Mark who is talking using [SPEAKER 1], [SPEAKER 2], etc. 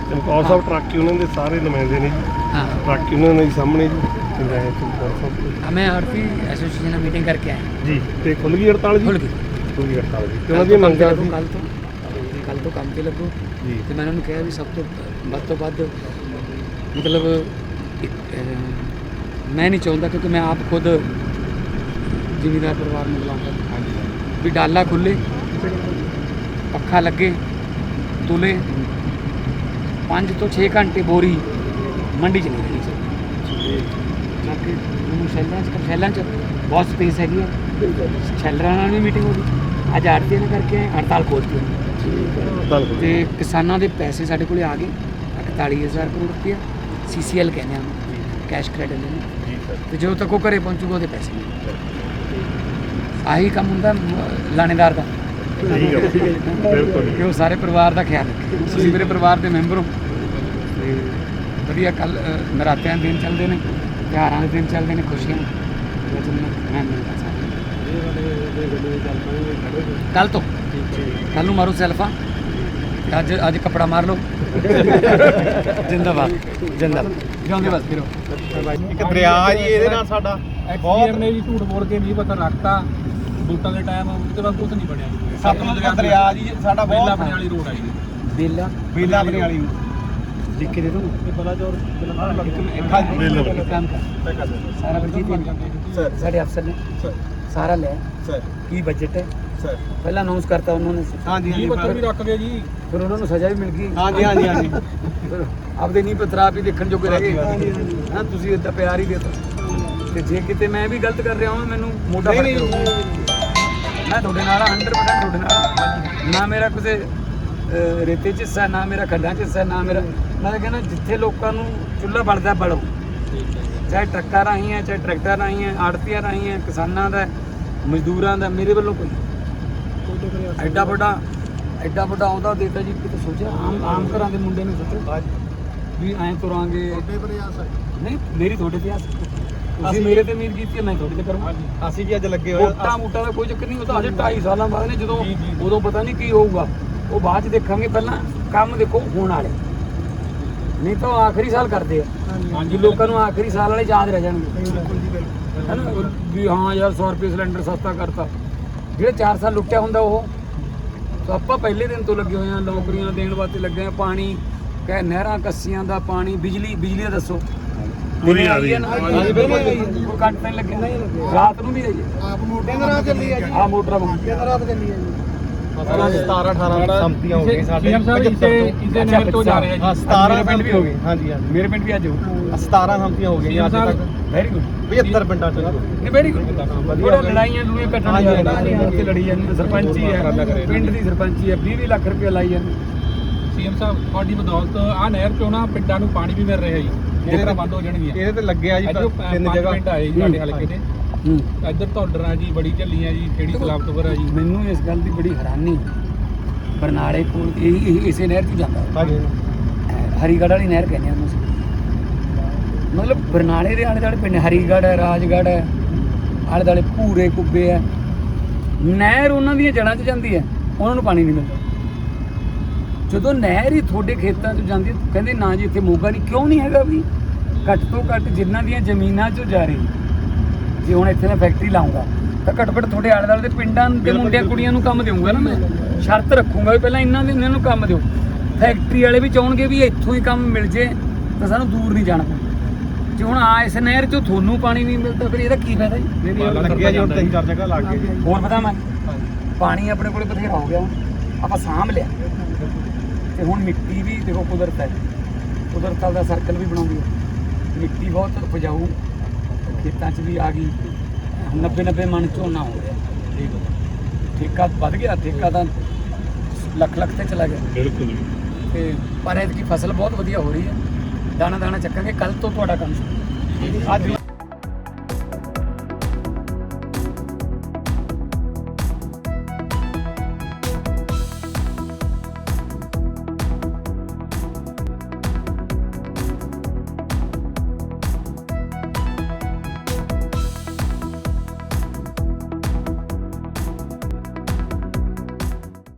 [SPEAKER 1] ਚਮਕੌਰ ਸਾਹਿਬ truck union ਦੇ ਸਾਰੇ ਨੁਮਾਇੰਦੇ ਨੇ ਜੀ।
[SPEAKER 2] हाँ
[SPEAKER 1] ਟਰੱਕ ਯੂਨੀਅਨ ਦੇ ਸਾਹਮਣੇ ਜੀ ਚੰਗਾਇਆ ਚਮਕੌਰ ਸਾਹਿਬ ਤੋਂ।
[SPEAKER 2] हमें आरती एसोसिएशन में मीटिंग करके आए हैं।
[SPEAKER 1] ਜੀ ਤੇ ਖੁੱਲ੍ਹ ਗਈ ਹੜਤਾਲ ਜੀ?
[SPEAKER 2] खुल गई
[SPEAKER 1] ਖੁੱਲ੍ਹ ਗਈ ਹੜਤਾਲ ਜੀ ਤੇ ਉਹਨਾਂ ਦੀਆਂ ਮੰਗਾਂ ਸੀ
[SPEAKER 2] कल तो काम ते लगो
[SPEAKER 1] ਜੀ।
[SPEAKER 2] ਤੇ ਮੈਂ ਉਹਨਾਂ ਨੂੰ ਕਿਹਾ ਵੀ ਸਭ ਤੋਂ ਵੱਧ ਮਤਲਬ ਮੈਂ ਨਹੀਂ ਚਾਹੁੰਦਾ ਕਿਉਂਕਿ ਮੈਂ ਆਪ ਖੁਦ ਜ਼ਿਮੀਂਦਾਰ ਪਰਿਵਾਰ ਨੂੰ ਬੁਲਾਉਂਦਾ ਵੀ ਡਾਲਾ ਖੁੱਲੇ ਪੱਖਾ ਲੱਗੇ ਤੁਲੇ 5 ਤੋਂ 6 ਘੰਟੇ ਬੋਰੀ ਮੰਡੀ 'ਚ ਨਹੀਂ ਰਹਿਣੀ ਚਾਹੀਦੀ। ਬਾਕੀ ਮੈਨੂੰ ਸ਼ੈਲਾਂ 'ਚ ਬਹੁਤ ਸਪੇਸ ਹੈਗੀ ਹੈ। ਸ਼ੈਲਰਾਂ ਨਾਲ ਵੀ ਮੀਟਿੰਗ ਹੋ ਗਈ। ਅੱਜ ਆੜਤੀ ਨੇ ਕਰਕੇ ਹੜਤਾਲ ਖੋਲ੍ਹਤੀ
[SPEAKER 1] ਹੜਤਾਲ
[SPEAKER 2] ਤੇ ਕਿਸਾਨਾਂ ਦੇ ਪੈਸੇ ਸਾਡੇ ਕੋਲ ਆ ਗਏ 41,000 ਕਰੋੜ ਰੁਪਇਆ CCL ਕਹਿੰਦੇ ਆ ਕੈਸ਼ ਕ੍ਰੈਡਿਟ ਲੈਣੇ
[SPEAKER 1] ਜੀ ਸਰ।
[SPEAKER 2] ਤੇ ਜਦੋਂ ਤੱਕ ਉਹ ਘਰੇ ਪਹੁੰਚੂਗਾ ਉਹਦੇ ਪੈਸੇ ਨਹੀਂ। ਆਹੀ ਕੰਮ ਹੁੰਦਾ ਲਾਣੇਦਾਰ ਦਾ
[SPEAKER 1] ਬਿਲਕੁਲ
[SPEAKER 2] ਕਿ ਉਹ ਸਾਰੇ ਪਰਿਵਾਰ ਦਾ ਖਿਆਲ ਰੱਖੇ। ਤੁਸੀਂ ਮੇਰੇ ਪਰਿਵਾਰ ਦੇ ਮੈਂਬਰ ਹੋ ਤੇ ਵਧੀਆ। ਕੱਲ ਨਰਾਤਿਆਂ ਦੇ ਦਿਨ ਚੱਲਦੇ ਨੇ, ਤਿਉਹਾਰਾਂ ਦੇ ਦਿਨ ਚੱਲਦੇ ਨੇ, ਖੁਸ਼ੀਆਂ ਮੈਂ ਮਿਲਦਾ ਕੱਲ ਤੋਂ। ਕੱਲ ਨੂੰ ਮਾਰੋ ਸੈਲਫਾ, ਅੱਜ ਕੱਪੜਾ ਮਾਰ ਲਓ। ਜਿੰਦਾਬਾਦ ਜਿੰਦਾਬਾਦ ਜਿਉਂਦੇ ਬਸ ਫਿਰੋ।
[SPEAKER 1] ਇੱਕ ਦਰਿਆ ਜੀ ਇਹਦੇ ਨਾਲ ਸਾਡਾ
[SPEAKER 3] ਬਹੁਤ ਨੇ ਜੀ ਝੂਠ ਬੋਲ ਕੇ ਨਹੀਂ ਪਤਾ ਰੱਖਤਾ ਵੋਟਾਂ ਦੇ ਟਾਈਮ ਉਹਦੇ ਬਾਅਦ ਕੁਝ ਨਹੀਂ ਬਣਿਆ।
[SPEAKER 1] ਸਤਲੁਜ ਦਾ ਦਰਿਆ ਜੀ ਸਾਡਾ
[SPEAKER 3] ਬੇਲਾ
[SPEAKER 1] ਬਹੁਤ
[SPEAKER 3] ਬਣੇ ਵਾਲੀ ਰੋਡ ਆਈ
[SPEAKER 2] ਬੇਲਾ
[SPEAKER 1] ਬੇਲਾ ਬਣੇ ਵਾਲੀ
[SPEAKER 2] ਲਿਖ ਕੇ ਦੇ ਦੋ।
[SPEAKER 3] ਇਹ ਬਲਾਚੌਰ
[SPEAKER 2] ਕੰਮ ਕਰ ਸਾਰਾ
[SPEAKER 1] ਸਰ
[SPEAKER 2] ਸਾਡੇ ਅਫਸਰ ਨੇ
[SPEAKER 1] ਸਰ
[SPEAKER 2] ਸਾਰਾ ਲਿਆ
[SPEAKER 1] ਸਰ
[SPEAKER 2] ਕੀ ਬਜਟ ਹੈ
[SPEAKER 1] ਸਰ
[SPEAKER 2] ਪਹਿਲਾਂ ਅਨਾਉਂਸ ਕਰਤਾ ਉਹਨਾਂ ਨੇ,
[SPEAKER 1] ਹਾਂਜੀ
[SPEAKER 3] ਇਹ ਪੱਤਰ ਵੀ ਰੱਖ ਗਏ ਜੀ।
[SPEAKER 2] ਫਿਰ ਉਹਨਾਂ ਨੂੰ ਸਜ਼ਾ ਵੀ ਮਿਲ ਗਈ।
[SPEAKER 1] ਹਾਂਜੀ ਹਾਂਜੀ ਹਾਂਜੀ
[SPEAKER 2] ਫਿਰ ਆਪਦੇ ਨਹੀਂ ਪਤਰਾ ਵੀ ਦੇਖਣ ਜੋਗੇ ਰਹਿ ਗਏ। ਹਾਂ ਤੁਸੀਂ ਇੱਦਾਂ ਪਿਆਰ ਹੀ ਦੇਤਾ। ਤੇ ਜੇ ਕਿਤੇ ਮੈਂ ਵੀ ਗਲਤ ਕਰ ਰਿਹਾ ਹਾਂ ਮੈਨੂੰ ਮੋਢਾ ਫੜ ਕੇ ਰੋਕੋ। ਮੈਂ ਤੁਹਾਡੇ ਨਾਲ 100% ਤੁਹਾਡੇ ਨਾਲ। ਨਾ ਮੇਰਾ ਕਿਸੇ ਰੇਤੇ 'ਚ ਹਿੱਸਾ, ਨਾ ਮੇਰਾ ਖੱਡਾਂ 'ਚ ਹਿੱਸਾ, ਨਾ ਮੇਰਾ। ਮੈਂ ਤਾਂ ਕਹਿੰਦਾ ਜਿੱਥੇ ਲੋਕਾਂ ਨੂੰ ਚੁੱਲ੍ਹਾ ਬਲਦਾ ਬਲੋ, ਚਾਹੇ ਟਰੱਕਾਂ ਰਾਹੀਂ ਹੈ, ਚਾਹੇ ਟਰੈਕਟਰ ਰਾਹੀਂ ਹੈ, ਆੜਤੀਆਂ ਰਾਹੀਂ ਹੈ, ਕਿਸਾਨਾਂ ਦਾ, ਮਜ਼ਦੂਰਾਂ ਦਾ। ਮੇਰੇ ਵੱਲੋਂ ਕੋਈ ਐਡਾ ਵੱਡਾ ਅਹੁਦਾ ਦੇਤਾ ਜੀ। ਕਿਤੇ ਸੋਚਿਆ ਆਮ ਘਰਾਂ ਦੇ ਮੁੰਡੇ ਨੂੰ ਸੋਚੋ ਵੀ ਐਂ ਤੁਰਾਂਗੇ। ਨਹੀਂ ਮੇਰੀ ਤੁਹਾਡੇ ਤੇ ਆਸ, ਤੁਸੀਂ ਮੇਰੇ ਤੇ ਉਮੀਦ ਕੀਤੀ ਹੈ, ਮੈਂ ਤੁਹਾਡੇ ਤੇ ਕਰੂੰਗਾ।
[SPEAKER 1] ਅਸੀਂ ਵੀ ਅੱਜ ਲੱਗੇ
[SPEAKER 2] ਮੋਟਾ ਦਾ ਕੋਈ ਚੱਕਰ ਨਹੀਂ। ਉਹ ਤਾਂ ਅਜੇ 2.5 ਸਾਲਾਂ ਬਾਅਦ ਨੇ, ਜਦੋਂ ਉਦੋਂ ਪਤਾ ਨਹੀਂ ਕੀ ਹੋਊਗਾ, ਉਹ ਬਾਅਦ 'ਚ ਦੇਖਾਂਗੇ। ਪਹਿਲਾਂ ਕੰਮ ਦੇਖੋ ਹੋਣ ਵਾਲੇ, ਨਹੀਂ ਤਾਂ ਉਹ ਆਖਰੀ ਸਾਲ ਕਰਦੇ ਆ। ਹਾਂਜੀ ਲੋਕਾਂ ਨੂੰ ਆਖਰੀ ਸਾਲ ਵਾਲੇ ਯਾਦ ਰਹਿ ਜਾਣਗੇ ਹੈ ਨਾ ਵੀ ਹਾਂ ਯਾਰ 100 ਰੁਪਏ ਸਿਲੰਡਰ ਸਸਤਾ ਕਰਤਾ। ਜਿਹੜੇ 4 ਸਾਲ ਲੁੱਟਿਆ ਹੁੰਦਾ ਉਹ ਤਾਂ ਆਪਾਂ ਪਹਿਲੇ ਦਿਨ ਤੋਂ ਲੱਗੇ ਹੋਏ ਆ। ਨੌਕਰੀਆਂ ਦੇਣ ਵਾਸਤੇ ਲੱਗੇ ਆ। ਪਾਣੀ ਕਹੇ ਨਹਿਰਾਂ ਕੱਸੀਆਂ ਦਾ ਪਾਣੀ, ਬਿਜਲੀ ਦਾ ਦੱਸੋ
[SPEAKER 1] ਪੂਰੀ ਆ ਰਹੀ ਹੈ।
[SPEAKER 2] ਕੋਈ ਕੱਟ ਨਹੀਂ ਲੱਗਿਆ। ਰਾਤ ਨੂੰ ਵੀ ਆਈ ਹੈ
[SPEAKER 3] ਆਪ ਮੋਟਰਾਂ ਚੱਲੀ ਆ ਜੀ।
[SPEAKER 2] ਆਹ ਮੋਟਰਾਂ
[SPEAKER 3] ਰਾਤ ਚੱਲੀ ਆ ਜੀ।
[SPEAKER 1] 17-18 ਸੰਮਤੀਆਂ ਹੋ ਗਈਆਂ ਸਾਡੇ।
[SPEAKER 3] ਇਸੇ ਨਹਿਰ ਤੋਂ ਜਾ ਰਹੇ ਆ ਜੀ।
[SPEAKER 1] ਹਾਂ 17 ਪਿੰਡ ਵੀ ਹੋ ਗਏ। ਹਾਂਜੀ ਹਾਂਜੀ
[SPEAKER 2] ਮੇਰੇ ਪਿੰਡ ਵੀ ਅੱਜ ਹੋ
[SPEAKER 1] 17 ਸੰਮਤੀਆਂ ਹੋ ਗਈਆਂ ਅੱਜ ਤੱਕ।
[SPEAKER 2] ਵੈਰੀ ਗੁੱਡ
[SPEAKER 1] 75 ਪਿੰਡਾਂ ਚ
[SPEAKER 2] ਨਹੀਂ ਵੈਰੀ ਗੁੱਡ। ਵਧੀਆ ਲੜਾਈਆਂ ਲੂਏ ਕੱਟਣ ਉੱਥੇ ਲੜੀ ਜਾਂਦੀ। ਸਰਪੰਚੀ ਹੈ ਪਿੰਡ ਦੀ, ਸਰਪੰਚੀ ਹੈ 20 ਲੱਖ ਰੁਪਏ ਲਾਈ ਜਾਂਦੀ।
[SPEAKER 3] ਸੀਐਮ ਸਾਹਿਬ ਤੁਹਾਡੀ ਬਦੌਲਤ ਆ ਨਹਿਰ ਚੋਂ ਨਾ ਪਿੰਡਾਂ ਨੂੰ ਪਾਣੀ ਵੀ ਮਿਲ ਰਿਹਾ ਜੀ। ਮੋਟਰਾਂ ਬੰਦ ਹੋ ਜਾਣਗੀਆਂ।
[SPEAKER 1] ਇਹਦੇ ਤੇ ਲੱਗਿਆ ਜੀ 3 ਜਗ੍ਹਾ
[SPEAKER 3] ਪਿੰਡ ਆਏ ਜੀ ਸਾਡੇ ਹਲਕੇ ਦੇ। ਇੱਧਰ ਧੌਡਰਾਂ ਜੀ, ਬੜੀ ਝੱਲੀਆਂ ਜੀ, ਖੇੜੀ ਸਲਾਮਤਪੁਰ ਆ ਜੀ।
[SPEAKER 2] ਮੈਨੂੰ ਇਸ ਗੱਲ ਦੀ ਬੜੀ ਹੈਰਾਨੀ, ਬਰਨਾਲੇ ਕੋਲ ਇਸੇ ਨਹਿਰ 'ਚ ਜਾਂਦਾ
[SPEAKER 1] ਹਾਂਜੀ
[SPEAKER 2] ਹਰੀਗੜ੍ਹ ਵਾਲੀ ਨਹਿਰ ਕਹਿੰਦੇ ਆ ਉਹਨੂੰ। ਮਤਲਬ ਬਰਨਾਲੇ ਦੇ ਆਲੇ ਦੁਆਲੇ ਪਿੰਡ ਹਰੀਗੜ੍ਹ ਹੈ, ਰਾਜਗੜ੍ਹ ਹੈ, ਆਲੇ ਦੁਆਲੇ ਭੂਰੇ ਕੁੱਬੇ ਹੈ। ਨਹਿਰ ਉਹਨਾਂ ਦੀਆਂ ਜੜ੍ਹਾਂ 'ਚ ਜਾਂਦੀ ਹੈ, ਉਹਨਾਂ ਨੂੰ ਪਾਣੀ ਨਹੀਂ ਮਿਲਦਾ। ਜਦੋਂ ਨਹਿਰ ਹੀ ਤੁਹਾਡੇ ਖੇਤਾਂ 'ਚ ਜਾਂਦੀ ਹੈ, ਕਹਿੰਦੇ ਨਾ ਜੀ ਇੱਥੇ ਮੋਗਾ ਨਹੀਂ। ਕਿਉਂ ਨਹੀਂ ਹੈਗਾ ਵੀ? ਘੱਟ ਤੋਂ ਘੱਟ ਜਿਨ੍ਹਾਂ ਦੀਆਂ ਜ਼ਮੀਨਾਂ 'ਚੋਂ ਜਾ ਰਹੀ, ਜੇ ਹੁਣ ਇੱਥੇ ਮੈਂ ਫੈਕਟਰੀ ਲਾਉਂਗਾ ਤਾਂ ਘੱਟੋ ਘੱਟ ਤੁਹਾਡੇ ਆਲੇ ਦੁਆਲੇ ਦੇ ਪਿੰਡਾਂ ਦੇ ਮੁੰਡਿਆਂ ਕੁੜੀਆਂ ਨੂੰ ਕੰਮ ਦੇਵਾਂਗਾ ਨਾ। ਮੈਂ ਸ਼ਰਤ ਰੱਖੂੰਗਾ ਵੀ ਪਹਿਲਾਂ ਇਹਨਾਂ ਨੂੰ ਕੰਮ ਦਿਓ। ਫੈਕਟਰੀ ਵਾਲੇ ਵੀ ਚਾਹਣਗੇ ਵੀ ਇੱਥੋਂ ਹੀ ਕੰਮ ਮਿਲ ਜੇ ਤਾਂ ਸਾਨੂੰ ਦੂਰ ਨਹੀਂ ਜਾਣਾ ਪਊ। ਜੇ ਹੁਣ ਇਸ ਨਹਿਰ 'ਚੋਂ ਤੁਹਾਨੂੰ ਪਾਣੀ ਨਹੀਂ ਮਿਲਦਾ ਫਿਰ ਇਹਦਾ ਕੀ ਫਾਇਦਾ ਜੀ?
[SPEAKER 1] ਲੱਗਿਆ ਜੀ ਹੁਣ 3-4 ਜਗ੍ਹਾ ਲੱਗ ਗਏ ਜੀ।
[SPEAKER 2] ਹੋਰ ਪਤਾ ਮੈਂ ਪਾਣੀ ਆਪਣੇ ਕੋਲੇ ਬਥੇਰਾ ਹੋ ਗਿਆ, ਆਪਾਂ ਸਾਂਭ ਲਿਆ। ਤੇ ਹੁਣ ਮਿੱਟੀ ਵੀ ਦੇਖੋ ਕੁਦਰਤ ਹੈ, ਕੁਦਰਤ ਦਾ ਸਰਕਲ ਵੀ ਬਣਾਉਂਦੀ ਹੈ। ਮਿੱਟੀ ਬਹੁਤ ਉਪਜਾਊ ਖੇਤਾਂ 'ਚ ਵੀ ਆ ਗਈ। 90 ਮਣ ਝੋਨਾ ਹੋ ਰਿਹਾ। ਠੇਕਾ ਵੱਧ ਗਿਆ, ਠੇਕਾ ਤਾਂ ਲੱਖ ਤੇ ਚਲਾ ਗਿਆ।
[SPEAKER 1] ਬਿਲਕੁਲ।
[SPEAKER 2] ਤੇ ਪਰ ਐਤਕੀ ਫਸਲ ਬਹੁਤ ਵਧੀਆ ਹੋ ਰਹੀ ਹੈ। ਦਾਣਾ ਚੱਕਾਂਗੇ। ਕੱਲ ਤੋਂ ਤੁਹਾਡਾ ਕੰਮ ਸ਼ੁਰੂ। ਅੱਜ